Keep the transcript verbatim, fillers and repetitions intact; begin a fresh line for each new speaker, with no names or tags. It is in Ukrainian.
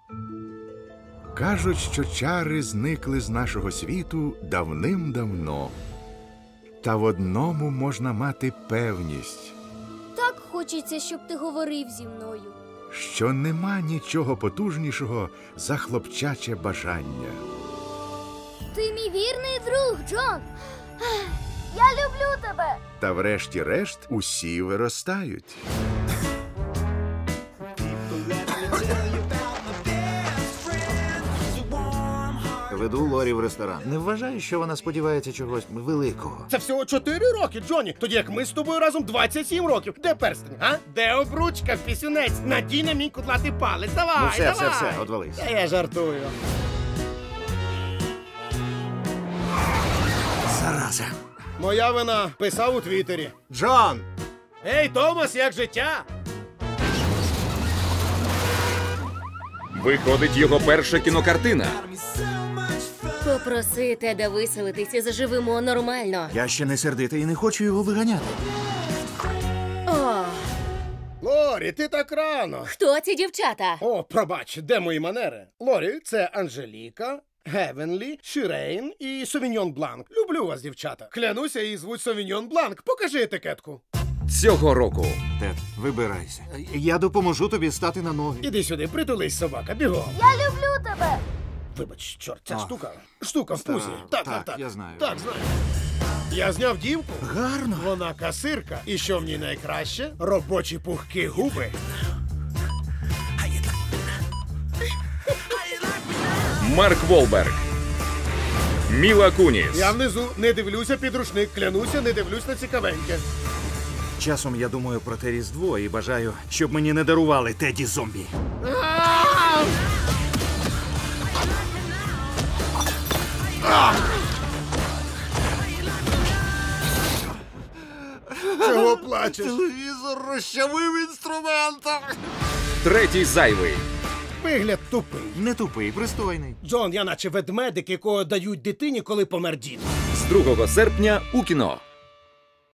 Кажуть, що чари зникли з нашого світу давним-давно. Та в одному можна мати певність.
Так хочеться, щоб ти говорив зі мною.
Що нема нічого потужнішого за хлопчаче бажання.
Ти мій вірний друг, Джон. Я люблю тебе.
Та врешті-решт усі виростають.
Веду Лорі в ресторан. Не вважаю, що вона сподівається чогось великого.
Це всього чотири роки, Джоні. Тоді як ми з тобою разом двадцять сім років. Де перстень, а? Де обручка, пісюнець? Надій на мій кудлатий палець. Давай,
Ну все,
давай.
все, все, одвались.
Та я жартую.
Зараза.
Моя вина. Писав у Твіттері.
Джон!
Ей, Томас, як життя?
Виходить його перша кінокартина.
Попроси Теда виселитися, заживемо нормально.
Я ще не сердитий і не хочу його виганяти.
О,
Лорі, ти так рано.
хто ці дівчата?
О, пробач, де мої манери? Лорі, це Анжеліка, Гевенлі, Шірейн і Совіньйон Бланк. Люблю вас, дівчата. Клянуся, її звуть Совіньйон Бланк. Покажи етикетку.
Цього року
Тед, вибирайся. Я допоможу тобі стати на ноги.
Іди сюди, притулись, собака, бігом.
Я люблю тебе.
Вибач, чорт, ця
А.
штука. Штука в пузі. Так, так,
так,
так.
я знаю.
Так, знаю. Я зняв дівку.
Гарно.
Вона касирка. І що в ній найкраще? Робочі пухкі губи.
Марк Волберг, Міла Куніс,
Я внизу не дивлюся під рушник, клянуся, не дивлюсь на цікавеньке.
Часом я думаю про те Різдво і бажаю, щоб мені не дарували Теді зомбі.
Чого плачеш?
Телевізор розчавив інструментом.
третій зайвий.
Вигляд тупий.
Не тупий, пристойний.
Джон, я наче ведмедик, якого дають дитині, коли помер дід.
З другого серпня у кіно.